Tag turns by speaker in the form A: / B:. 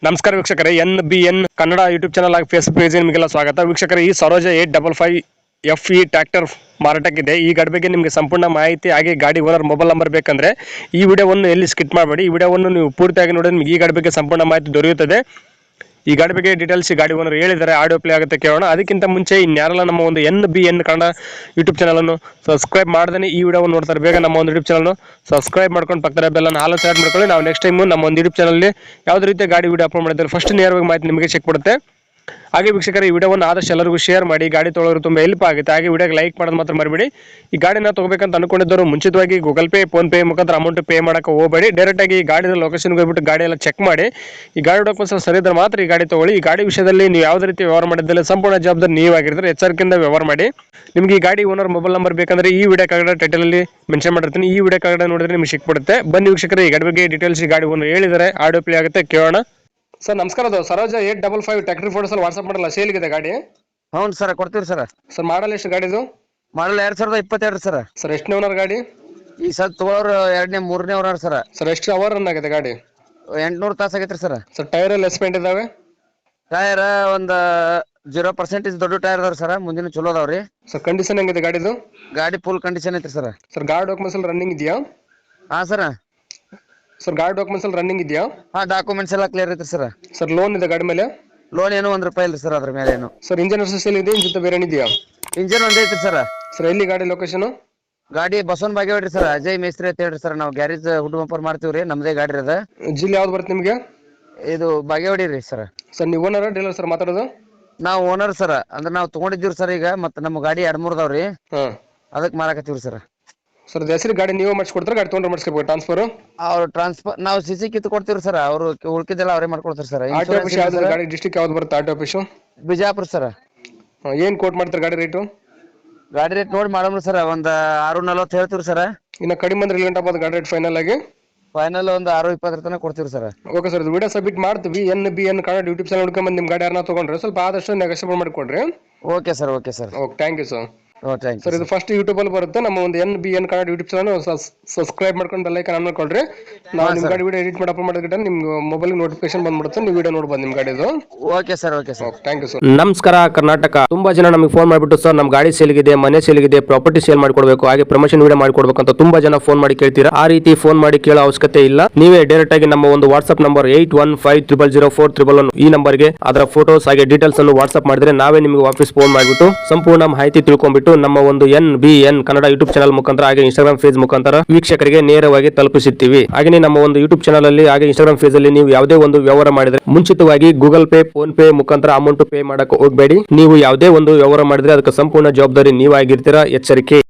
A: ನಮಸ್ಕಾರ ವೀಕ್ಷಕರೇ, NBN Kannada YouTube channel ಆಗಿ ಫೇಸ್ಬುಕ್ ಪೇಜ್ ನಿಮಗೆಲ್ಲ ಸ್ವಾಗತ. ವೀಕ್ಷಕರೇ, ಈ ಸರೋಜ 855 FE ಟ್ರ್ಯಾಕ್ಟರ್ ಮಾರಾಟಕ್ಕಿದೆ. ಈ ಗಾಡಿ ಬಗ್ಗೆ ನಿಮಗೆ ಸಂಪೂರ್ಣ ಮಾಹಿತಿ ಹಾಗೆ ಗಾಡಿ ಓನರ್ ಮೊಬೈಲ್ ನಂಬರ್ ಬೇಕಂದ್ರೆ ಈ ವಿಡಿಯೋವನ್ನು ಎಲ್ಲಿ ಸ್ಕಿಪ್ ಮಾಡಬೇಡಿ. ಈ ವಿಡಿಯೋವನ್ನು ನೀವು ಪೂರ್ತಿಯಾಗಿ ನೋಡಿದ್ರೆ ನಿಮಗೆ ಈ ಗಾಡಿ ಬಗ್ಗೆ ಸಂಪೂರ್ಣ ಮಾಹಿತಿ ದೊರೆಯುತ್ತದೆ. ಈ ಗಾಡಿ ಬಗ್ಗೆ ಡೀಟೇಲ್ಸ್ ಈ ಗಾಡಿ ಓನರ್ ಹೇಳಿದ್ದಾರೆ, ಆಡಿಯೋ ಪ್ಲೇ ಆಗುತ್ತೆ ಕೇಳೋಣ. ಅದಕ್ಕಿಂತ ಮುಂಚೆ ಇನ್ಯಾರಲ್ಲ ನಮ್ಮ ಒಂದು NBN ಕನ್ನಡ ಯೂಟ್ಯೂಬ್ ಚಾನಲನ್ನು ಸಬ್ಸ್ಕ್ರೈಬ್ ಮಾಡ್ದೇ ಈ ವಿಡಿಯೋವನ್ನು ನೋಡ್ತಾರೆ, ಬೇಗ ನಮ್ಮ ಒಂದು ಯೂಟ್ಯೂಬ್ ಚಾನಲ್ ಸಬ್ಸ್ಕ್ರೈಬ್ ಮಾಡ್ಕೊಂಡು ಪಕ್ಕದ ಬೆಲ್ಲನ್ನು ಹಾಲು ಸೆಲೆಕ್ಟ್ ಮಾಡ್ಕೊಳ್ಳಿ. ನಾವು ನೆಕ್ಸ್ಟ್ ಟೈಮ್ ನಮ್ಮ ಒಂದು ಯೂಟ್ಯೂಬ್ ಚಾನಲ್ ಯಾವುದೇ ರೀತಿಯ ಗಾಡಿ ವಿಡಿಯೋ ಅಪ್ಲೋಡ್ ಮಾಡಿದ್ರೆ ಫಸ್ಟ್ ನೇರವಾಗಿ ಮಾಹಿತಿ ನಿಮಗೆ ಚೆಕ್ ಕೊಡುತ್ತೆ. ಹಾಗೆ ವೀಕ್ಷಕರ, ಈ ವಿಡಿಯೋವನ್ನು ಆದಷ್ಟು ಎಲ್ಲರಿಗೂ ಶೇರ್ ಮಾಡಿ, ಗಾಡಿ ತೊಗೊಳ್ಳೋರು ತುಂಬ ಹೆಲ್ಪ್ ಆಗುತ್ತೆ. ಹಾಗೆ ವಿಡಿಯೋಗೆ ಲೈಕ್ ಮಾಡೋದು ಮಾತ್ರ ಮರಿಬೇಡಿ. ಈ ಗಾಡಿನ ತಗೋಬೇಕಂತ ಅನ್ಕೊಂಡಿದ್ದವರು ಮುಂಚಿತವಾಗಿ ಗೂಗಲ್ ಪೇ, ಫೋನ್ ಪೇ ಮುಖಾಂತರ ಅಮೌಂಟ್ ಪೇ ಮಾಡೋಕೆ ಹೋಗಬೇಡಿ. ಡೈರೆಕ್ಟಾಗಿ ಈ ಗಾಡಿನ ಲೊಕೇಶನ್ಗೆ ಹೋಗ್ಬಿಟ್ಟು ಗಾಡಿ ಎಲ್ಲ ಚೆಕ್ ಮಾಡಿ, ಈ ಗಾಡಿ ಡಾಕ್ಯುಮೆಂಟ್ಸ್ ಸರಿ ಇದ್ರೆ ಮಾತ್ರ ಈ ಗಾಡಿ ತಗೊಳ್ಳಿ. ಈ ಗಾಡಿ ವಿಷಯದಲ್ಲಿ ನೀವು ಯಾವುದೇ ರೀತಿ ವ್ಯವಹಾರ ಮಾಡಿದ್ದಲ್ಲಿ ಸಂಪೂರ್ಣ ಜವಾಬ್ದಾರಿ ನೀವಾಗಿರ್ತಾರೆ, ಎಚ್ಚರಿಕೆಯಿಂದ ವ್ಯವಹಾರ ಮಾಡಿ. ನಿಮಗೆ ಈ ಗಾಡಿ ಓನರ್ ಮೊಬೈಲ್ ನಂಬರ್ ಬೇಕಂದ್ರೆ ಈ ವಿಡಿಯೋ ಕೆಳಗಡೆ ಟೈಟಲಲ್ಲಿ ಮೆನ್ಷನ್ ಮಾಡಿರ್ತೀನಿ, ಈ ವಿಡಿಯೋ ಕೆಳಗಡೆ ನೋಡಿದ್ರೆ ನಿಮಗೆ ಸಿಕ್ಬಿಡುತ್ತೆ. ಬನ್ನಿ ವೀಕ್ಷಕರೇ, ಈ ಗಾಡಿ ಬಗ್ಗೆ ಡೀಟೇಲ್ಸ್ ಈ ಗಾಡಿ ಓನರ್ ಹೇಳಿದ್ದಾರೆ, ಆಡಿಯೋ ಪ್ಲೇ ಆಗುತ್ತೆ ಕೇಳೋಣ. ಸರ್ ನಮಸ್ಕಾರ, ಅದು ಸರೋಜ 855 ಟ್ರ್ಯಾಕ್ಟರ್ ಫೋಟೋಸ್ ಅಲ್ಲಿ ವಾಟ್ಸ್ಆಪ್ ಮಾಡಲ್ಲ, ಸೇಲ್ಗಿದೆ ಗಾಡಿ?
B: ಹೌದು ಸರ್, ಕೊಡ್ತೀವಿ ಸರ್.
A: ಸರ್ ಮಾಡಲ್ ಎಷ್ಟು ಗಾಡಿದು?
B: Model 2022 sir.
A: ಸರ್ ಎಷ್ಟನೇ ಓನರ್ ಗಾಡಿ?
B: ಈ ಸರ್ ತಗೊಳ್ಳೋರು 2ನೇ 3ನೇ ಓನರ್ ಸರ್.
A: ಸರ್ ಎಷ್ಟು ಅವರ್ ರನ್ ಆಗಿದೆ ಗಾಡಿ?
B: 800 ತಾಸು ಆಗೈತ್ರಿ ಸರ್.
A: ಸರ್ ಟೈರ್ ಎಲ್ಲ ಎಸ್ಪೆಂಟ್ ಇದಾವೆ?
B: ಟೈರ್ ಒಂದು 0% ದೊಡ್ಡ ಟೈರ್ ಅದಾವ್ರಿ ಸರ್, ಮುಂದಿನ ಚಲೋ ಅದಾವ್ರಿ.
A: ಸರ್ ಕಂಡೀಷನ್ ಹೆಂಗಿದೆ ಗಾಡಿದು?
B: ಗಾಡಿ ಫುಲ್ ಕಂಡೀಷನ್ ಐತ್ರಿ ಸರ್.
A: ಸರ್ ಗಾಡಿ ಡಾಕ್ಯುಮೆಂಟ್ಸ್ ಎಲ್ಲ ರನ್ನಿಂಗ್ ಇದೆಯಾ?
B: ಹಾ ಸರ್.
A: ಸರ್ ಗಾಡಿ ಡಾಕ್ಯುಮೆಂಟ್ಸ್ ಎಲ್ಲ ರನ್ನಿಂಗ್ ಇದೆಯಾ?
B: ಹಾ, ಡಾಕ್ಯುಮೆಂಟ್ಸ್ ಎಲ್ಲ ಕ್ಲಿಯರ್ ಐತ್ರಿ ಸರ್.
A: ಸರ್ ಲೋನ್ ಇದೆ ಗಾಡಿ ಮೇಲೆ?
B: ಲೋನ್ ಏನು ₹1 ಇಲ್ರಿ ಸರ್, ಅದ್ರ ಮೇಲೆ ಏನು.
A: ಸರ್ ಇಂಜಿನ್ ಸೇಲ್ ಇದೆ, ಜೊತೆ ಬೇರೆ ಏನಿದೆಯಾ?
B: ಇಂಜಿನ್ ಒಂದೇ ಐತ್ರಿ ಸರ್.
A: ಸರ್ ಎಲ್ಲಿ ಗಾಡಿ ಲೊಕೇಶನ್?
B: ಗಾಡಿ ಬಸವನ್ ಬಾಗೇವಾಡಿ ಸರ್, ಅಜಯ್ ಮೇಸ್ತ್ರಿ ಅಂತ ಹೇಳ್ರಿ ಸರ್. ನಾವು ಗ್ಯಾರೇಜ್ ಹುಡ್ ಬಂಪರ್ ಮಾಡ್ತೀವ್ರಿ, ನಮ್ದೇ ಗಾಡಿ ಅದ.
A: ಜಿಲ್ಲೆ ಯಾವ್ದು ಬರುತ್ತೆ ನಿಮಗೆ?
B: ಇದು ಬಾಗೇವಾಡಿ ರೀ ಸರ್.
A: ಸರ್ ನೀವು ಓನರ್ ಡೀಲರ್ ಸರ್ ಮಾತಾಡೋದು?
B: ನಾವು ಓನರ್ ಸರ್, ಅಂದ್ರೆ ನಾವು ತಗೊಂಡಿದ್ದೀವಿ ಸರ್. ಈಗ ಮತ್ತೆ ನಮ್ಮ ಗಾಡಿ 2-3 ಅದಾವ್ರಿ,
A: ಹಾಂ
B: ಅದಕ್ಕೆ ಮಾರಾಕತ್ತೀವ್ರಿ ಸರ್.
A: ಸರ್ ಹೆಸರು ಗಾಡಿ ನೀವೇ ಮಾಡಿಸ್ಕೊಡ್ತಾರೆ, ಗಾಡಿ ತೊಗೊಂಡ್ರೆ ಮಾಡಿಸ್ಕೋಬೇಕು ಟ್ರಾನ್ಸ್ಫರ್?
B: ಅವ್ರು ಟ್ರಾನ್ಸ್ಫರ್ ನಾವು ಸಿಸಿ ಕಿತ್ತು ಕೊಡ್ತೀವಿ ಸರ್, ಅವರು ಉಳ್ಕಿದ್ದೆಲ್ಲ ಅವರೇ ಮಾಡ್ಕೊಡ್ತಾರೆ ಸರ್.
A: ಆಟೋ ಆಫೀಸ್ ಯಾವ್ದು ಗಾಡಿ ಡಿಸ್ಟ್ರಿಕ್ಟ್ ಯಾವ್ದು ಬರುತ್ತೆ ಆಟೋ ಆಫೀಸು?
B: ಬಿಜಾಪುರ ಸರ್.
A: ಏನು ಕೋಟ್ ಮಾಡ್ತಾರೆ ಗಾಡಿ ರೇಟು?
B: ಗಾಡಿ ರೇಟ್ ನೋಡಿ ಮಾಡೋಣ ಸರ್, ಒಂದು 640 ಹೇಳ್ತೀವಿ ಸರ್.
A: ಇನ್ನು ಕಡಿಮೆ ಅಂದ್ರೆ ಇಲ್ಲಿ ಗಂಟೆ ಆಗ್ಬೋದು ಗಾಡಿ ರೇಟ್ ಫೈನಲ್ ಆಗಿ?
B: ಫೈನಲ್ ಒಂದು 620 ತನಕ ಕೊಡ್ತೀವಿ ಸರ್.
A: ಓಕೆ ಸರ್, ಇದು ವಿಡಿಯೋ ಸಬ್ಮಿಟ್ ಮಾಡ್ತೀವಿ. NBN ಕನ್ನಡ ಯೂಟ್ಯೂಬ್ ಚಾನಲ್ ಹುಡ್ಕೊಂಬಂದು ನಿಮ್ಮ ಗಾಡಿ ಯಾರನ್ನ ತೊಗೊಂಡ್ರೆ ಸ್ವಲ್ಪ ಆದಷ್ಟು ನೆಗೋಷಿಯೇಟ್ ಮಾಡಿಕೊಡ್ರಿ.
B: Okay sir, okay sir.
A: Okay, thank you sir.
B: Thank you
A: sir ಇದು ಫಸ್ಟ್ ಯೂಟ್ಯೂಬಲ್ಲಿ ಬರುತ್ತೆ, ನಮ್ಮ ಒಂದು NBN Kannada YouTube channel subscribe ಮಾಡ್ಕೊಂಡು ಬೆಲ್ ಐಕಾನ್ ಆನ್ ಮಾಡ್ಕೊಳ್ರಿ. ನಾವು ನಿಮ್ಮ ಗಾಡಿ ವಿಡಿಯೋ ಎಡಿಟ್ ಮಾಡಿ ಅಪ್ಲೋಡ್ ಮಾಡಿದ್ರೆ ನಿಮ್ಮ ಮೊಬೈಲ್ ನೋಟಿಫಿಕೇಶನ್ ಬಂದ್ಬಿಡುತ್ತೆ, ನೀವು ವಿಡಿಯೋ ನೋಡ್ಬೋದು ನಿಮ್ಮ ಗಾಡಿದು.
B: Okay sir, okay sir.
A: Thank you sir.
C: ನಮಸ್ಕಾರ ಕರ್ನಾಟಕ. ತುಂಬಾ ಜನ ನಮಗೆ ಫೋನ್ ಮಾಡಿಬಿಟ್ಟು ಸರ್ ನಮ್ಮ ಗಾಡಿ ಸೇಲ್ಗಿದೆ, ಮನೆ ಸೇಲ್ಗಿದೆ, ಪ್ರಾಪರ್ಟಿ ಸೇಲ್ ಮಾಡ್ಕೊಡ್ಬೇಕು, ಹಾಗೆ ಪ್ರಮೋಷನ್ ವಿಡಿಯೋ ಮಾಡ್ಕೊಡ್ಬೇಕು ಅಂತ ತುಂಬಾ ಜನ ಫೋನ್ ಮಾಡಿ ಕೇಳ್ತೀರಾ. ಆ ರೀತಿ ಫೋನ್ ಮಾಡಿ ಕೇಳೋ ಅವಶ್ಯಕತೆ ಇಲ್ಲ. ನೀವೇ ಡೈರೆಕ್ಟ್ ಆಗಿ ನಮ್ಮ ಒಂದು ವಾಟ್ಸ್ಆಪ್ ನಂಬರ್ 8150004111 ಈ ನಂಬರ್ಗೆ ಅದರ ಫೋಟೋಸ್ ಹಾಗೆ ಡೀಟೇಲ್ಸ್ ಅನ್ನು ವಾಟ್ಸ್ಆಪ್ ಮಾಡಿದ್ರೆ ನಾವೇ ನಿಮಗೆ ವಾಪಸ್ ಫೋನ್ ಮಾಡಿಬಿಟ್ಟು ಸಂಪೂರ್ಣ ಮಾಹಿತಿ ತಿಳ್ಕೊಂಡ್ಬಿಟ್ಟು ನಮ್ಮ ಒಂದು NBN ಕನ್ನಡ ಯೂಟ್ಯೂಬ್ ಚಾನಲ್ ಮುಖಾಂತರ ಹಾಗೆ ಇನ್ಸ್ಟಾಗ್ರಾಮ್ ಪೇಜ್ ಮುಖಾಂತರ ವೀಕ್ಷಕರಿಗೆ ನೇರವಾಗಿ ತಲುಪಿಸುತ್ತೀವಿ. ಹಾಗೆ ನಮ್ಮ ಒಂದು ಯೂಟ್ಯೂಬ್ ಚಾನಲ್ ಅಲ್ಲಿ ಹಾಗೆ ಇನ್ಸ್ಟಾಗ್ರಾಮ್ ಪೇಜ್ ಅಲ್ಲಿ ನೀವು ಯಾವುದೇ ಒಂದು ವ್ಯವಹಾರ ಮಾಡಿದ್ರೆ ಮುಂಚಿತವಾಗಿ ಗೂಗಲ್ ಪೇ, ಫೋನ್ ಪೇ ಮುಖಾಂತರ ಅಮೌಂಟ್ ಪೇ ಮಾಡಕ್ಕೆ ಹೋಗಬೇಡಿ. ನೀವು ಯಾವುದೇ ಒಂದು ವ್ಯವಹಾರ ಮಾಡಿದ್ರೆ ಅದಕ್ಕೆ ಸಂಪೂರ್ಣ ಜವಾಬ್ದಾರಿ ನೀವಾಗಿರ್ತೀರಾ, ಎಚ್ಚರಿಕೆ.